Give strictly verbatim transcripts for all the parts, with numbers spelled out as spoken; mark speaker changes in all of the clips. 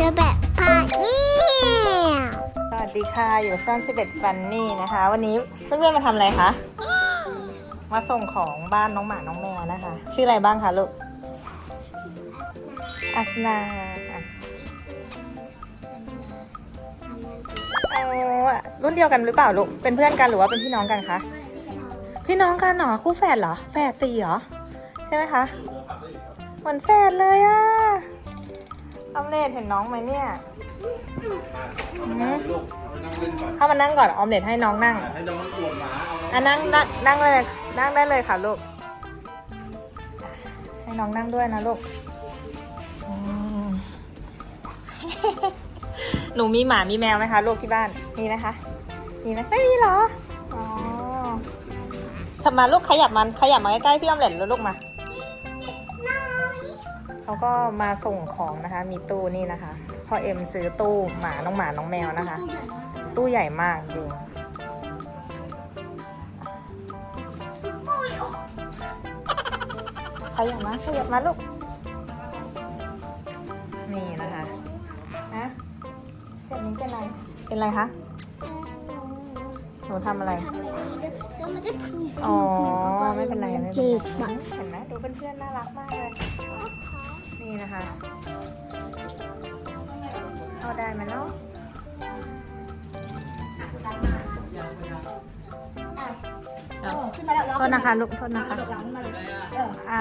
Speaker 1: อแบบพาเนี่ย
Speaker 2: สวัสดีค่ะอยู่ช่องชิเบตฟันนี่นะคะ วันนี้เพื่อนๆมาทำอะไรคะ มาส่งของบ้านน้องหมาน้องแมวนะคะ ชื่ออะไรบ้างคะลูกอัสนาเอารุ่นเดียวกันหรือเปล่าลูกเป็นเพื่อนกันหรือว่าเป็นพี่น้องกันคะพี่น้องกันเหรอคู่แฝดเหรอแฝดสี่เหรอใช่ไหมคะเหมือนแฝดเลยอะออมเล็ตเห็นน้องไหมเนี่ยเข้ามานั่งก่อนออมเล็ตให้น้องนั่งให้น้องปวดหมาอ่ะนั่งนั่งนั่งเลยนั่งได้เลยค่ะลูกให้น้องนั่งด้วยนะลูกหนูมีหมามีแมวไหมคะลูกที่บ้านมีไหมคะมีไหมไม่มีเหรออ๋อทำมาลูกขยับมันขยับมาใกล้ๆพี่ออมเล็ตแล้วลูกมาเขาก็มาส่งของนะคะมีตู้นี่นะคะพ่อเอ็มซื้อตู้หมาน้องหมาน้องแมวนะคะตู้ใหญ่มากจริงขยับมาขยับมาลูกนี่นะคะนะเจ็บนี้เป็นไรเป็นไรคะหนูทำอะไรอ๋อไม่เป็นไรไม่เป็นไรเห็นไหมดูเพื่อนๆน่ารักมากเลยนี่นะคะเอาได้ไหมเนาะโทษนะคะลูกโทษนะคะอ่า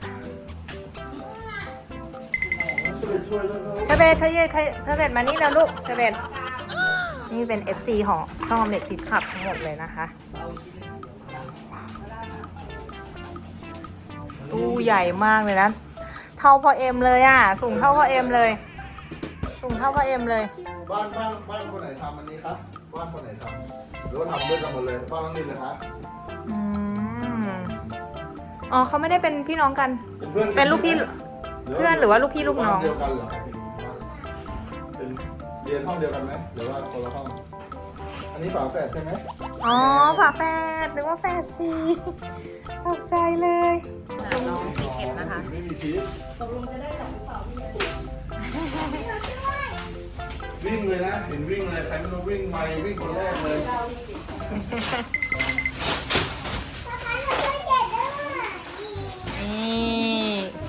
Speaker 2: เชเบตเธอเยเชเบตมานี่แล้วลูกเชเบตนี่เป็น เอฟ ซี ของช่องออมเล็ตคิดขับทั้งหมดเลยนะคะตู้ใหญ่มากเลยนะเท่าพ่อเอ็มเลยอ่ะสูงเท่าพ่อเอ็มเลยสูงเท่าพ่อเอ็มเลย
Speaker 3: บ้านบ้านบ้านคนไหนทำอันนี้ครับบ้านคนไหนทำหรือว่าทำด้วยกันหมดเลยบ้านน้องนินเลยครับ
Speaker 2: อืมอ๋อเขาไม่ได้เป็นพี่น้องกันเป็นลูกพี่เพื่อนหรือว่าลูกพี่ลูกน้อง
Speaker 3: เดียวกันเหรอเป็นเรียนห้องเดียวกันไหมหรือว่าคนละห้องอันนี้ฝาแฝดใช่ไหม
Speaker 2: อ๋อฝาแฝดนึกว่าแฝดสี่ตกใจเลยน้องสีเข็มนะคะ
Speaker 3: ไม่มีชีสตกลงจะได้จับหรือเปล่าวิ่งเลยนะเห็นวิ่งเลยใครไม่รู้วิ่งไม่วิ่งคนแรกเลย
Speaker 2: นี่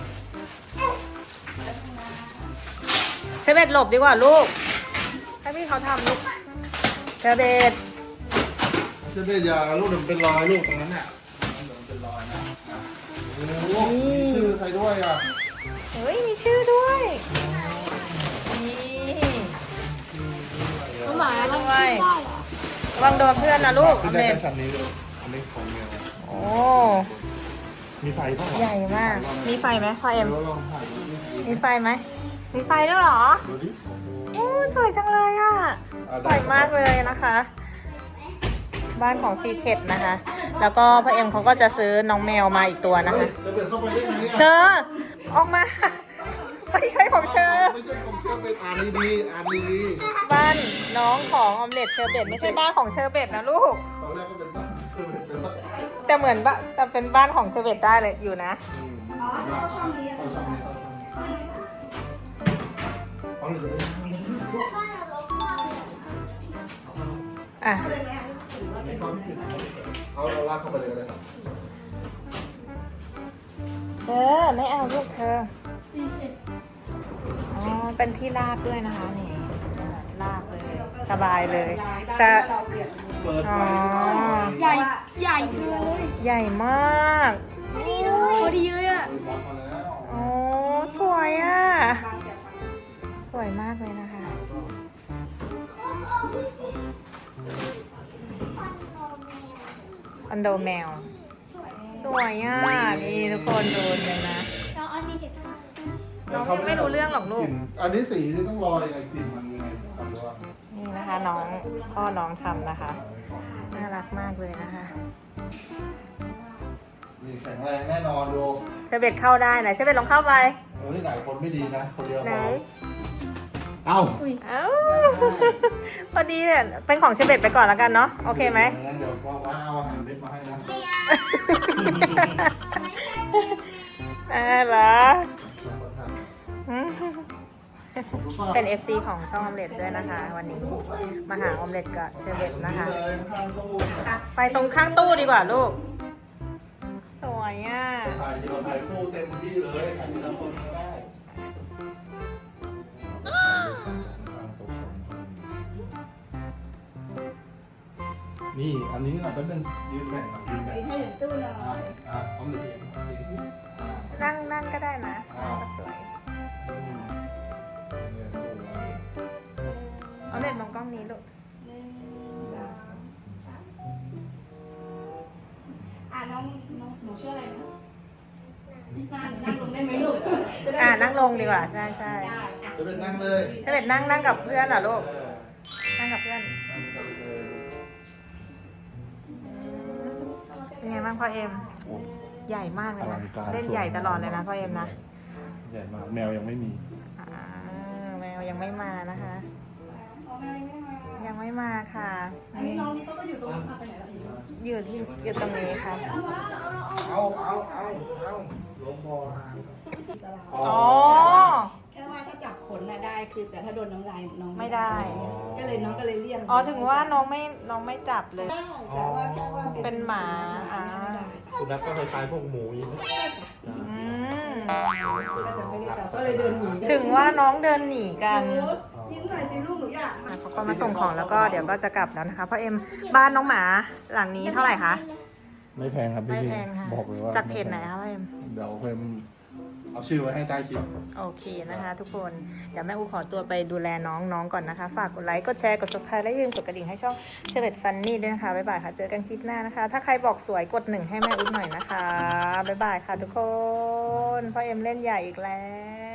Speaker 2: เชเบตหลบดีกว่าลูกให้พี่เขาทำลูกเชเบต
Speaker 3: เชเบตอย่าลูกเดี๋ยวเป็นรอยลูกตรงนั้นเนี่ยเป็นรอยนะโอ้โหมีชื่อใครด้วยอ่ะ
Speaker 2: เฮ้ยมีชื่อด้วยนี่น้องหมาด้วยระวังโดนเพื่อนนะลูก
Speaker 3: ขึ้นได้แค่ชั้นนี้เลยอันนี้ของเมีย
Speaker 2: โอ้
Speaker 3: มีไฟป่ะ
Speaker 2: ใหญ่มากมีไฟไหมพ่อเอ็มมีไฟไหมมีไฟด้วยเหรอโอ้สวยจังเลยอ่ะสวยมากเลยนะคะบ้านของซีเคทนะคะแล้วก็พ่อเอ็มเขาก็จะซื้อน้องแมวมาอีกตัวนะคะเชอร์ออกมาไม่ใช่ของเชอร์
Speaker 3: ไม่ใช่ของเชอร์เป็นอ่านดีๆอ่านดี
Speaker 2: ๆบ้านน้องของออมเล็ตเชอร์เบตไม่ใช่บ้านของเชอร์เบตนะลูก
Speaker 3: ตอนแรกก็เป็นบ้านเชอร์เบตเป็นบ้าน
Speaker 2: แต่เหมือนบ้านแต่เป็นบ้านของเชอร์เบตได้เลยอยู่นะ
Speaker 3: อ๋อเขาชอบนี้เขาชอบนี้เขาชอบนี้
Speaker 2: อ่ะ
Speaker 3: เอาเราลากเข้าไปเลยก็ได้ครับ
Speaker 2: เธอไม่เอาลูกเธออ๋อเป็นที่ลากด้วยนะคะนี่ลากเลยสบายเลยจะอ๋อ
Speaker 1: ใหญ่ใหญ่เกินเลย
Speaker 2: ใหญ่มาก
Speaker 1: พอดีเลยพอดีเลยอ่ะ
Speaker 2: โอ้สวยอ่ะสวยมากเลยนะคะคอนโดแมวสวยอ่ะนี่ทุกคนดูเลยนะ
Speaker 1: เราเอาสีเขียว
Speaker 2: น้องไม่รู้เรื่องหรอกลูก
Speaker 3: อันนี้สีนี่ต้องรอยังไงกลิ่นมันยังไงทำด้วย
Speaker 2: นี่นะคะน้องพ่อน้องทำนะคะน่ารักมากเลยนะคะ
Speaker 3: นี่แข็งแรงแน่นอนดู
Speaker 2: เชเบตเข้าได้นะเชเบตลองเข้าไป
Speaker 3: โอ้ยหลายคนไม่ดีนะคนเดียว
Speaker 2: ไหน
Speaker 3: เอ้า
Speaker 2: เอ้าพอดีเนี่ยเป็นของเชเบตไปก่อนแล้วกันเนาะโอเคไหม
Speaker 3: เดี๋ยวว่าเอาอาหารเล็กมาให้นะ
Speaker 2: อ่าเหรอ
Speaker 3: รู้ป่ะ
Speaker 2: เป็น เอฟ ซี ของช่องออมเล็ตด้วยนะคะ วันนี้มาหาออมเล็ตกับเชอร์เบตนะคะ
Speaker 3: เลยข้างตู้
Speaker 2: ไปตรงข้างตู้ดีกว่าลูก สวยอ่ะ
Speaker 3: ถ่ายเดียวถ่ายคู่เต็มที่เลยถ่ายทีละคนก็ได้นี่อันนี้เราเป็นยืนแบ่งกับยืนแบ่ง
Speaker 4: ให้ถึงตู้หน่อย
Speaker 3: อ่ะอ่ะเอาหนึ่งเองอ่ะ
Speaker 2: นั่งนั่งก็ได้นะก็สวย ออมเล็ตมองกล้องนี้ลูก
Speaker 4: หนึ่งสองสามอ่ะน้องน้องหนูชื่ออะไรนะนั่งนั่งลงได้ไหมลูก
Speaker 2: อ่านั่งลงดีกว่า ใช่ใช่
Speaker 4: ได้อ่ะ
Speaker 3: จะเป็นนั่งเลย
Speaker 2: เชอร์เบตนั่งนั่งกับเพื่อนเหรอลูก
Speaker 3: เออ
Speaker 2: นั่งกับเพื่อน
Speaker 3: นั่งกันเลย
Speaker 2: เป็นไงบ้างพ่อเอ็ม ใหญ่มากเลย
Speaker 3: อลั
Speaker 2: นะ
Speaker 3: งการ
Speaker 2: เล่นใหญ่ตลอดเลยนะพ่อเอ็มนะ
Speaker 3: ใหญ่มากแมวยังไม่มี
Speaker 2: อ่าแมวยังไม่มานะคะ
Speaker 4: เอาไม่ไม่มา
Speaker 2: ยังไม่มาค่ะ
Speaker 4: อันนี้น้องนี่เขาก็อยู่ตรงนี้มาไปไหนแล้วอีก
Speaker 2: อยู่ที่อยู่ตรงนี้ครับ
Speaker 3: เอาเอาเอาเอาลงบอหาง
Speaker 4: ตลาด
Speaker 2: อ๋อ
Speaker 4: แค่ว่าถ้าจับขนน่ะได้คือแต่ถ้าโดนน้ำลายน้อง
Speaker 2: ไม่ได้
Speaker 4: ก็เลยน้องก็เลยเลี่ยง
Speaker 2: อ๋อถึงว่าน้องไม่น้องไม่จับเลย
Speaker 4: ได้แต่ว่าแค่ว่า
Speaker 2: เป็นหมาอ่า
Speaker 3: คุณนัทก็คล้ายๆพวกหมูอย่างนี้
Speaker 2: อืม
Speaker 4: ก็จะไม่ได้จับก็เลยเดินหนี
Speaker 2: ถึงว่าน้องเดินหนีกัน
Speaker 4: ยิ้มหน่อยสิลูกหนูอยาก
Speaker 2: อ่ะเขาก็มาส่งของแล้วก็เดี๋ยวก็จะกลับแล้วนะคะพ่อเอ็มบ้านน้องหมาหลังนี้เท่าไหร่คะ
Speaker 3: ไม่แพงครับ
Speaker 2: ไม่
Speaker 3: พี่
Speaker 2: แพงค่ะ
Speaker 3: บอกเลยว่า
Speaker 2: จากเพจไหนคะพ่อเอ็ม
Speaker 3: เดี๋ยวเพิ่มเอาชื่อไว้ให้ใต้คลิป
Speaker 2: โอเคนะคะทุกคน เดี๋ยวแม่อูขอตัวไปดูแลน้องน้องก่อนนะคะ ฝากกดไลค์ กดแชร์ กด ซับสไครบ์ และอย่าลืมกดกระดิ่งให้ช่องเชอร์เบตฟันนี่ด้วยนะคะ บ๊ายบายค่ะ เจอกันคลิปหน้านะคะ ถ้าใครบอกสวยกดหนึ่งให้แม่อูหน่อยนะคะ บ๊ายบายค่ะทุกคน พ่อเอ็มเล่นใหญ่อีกแล้ว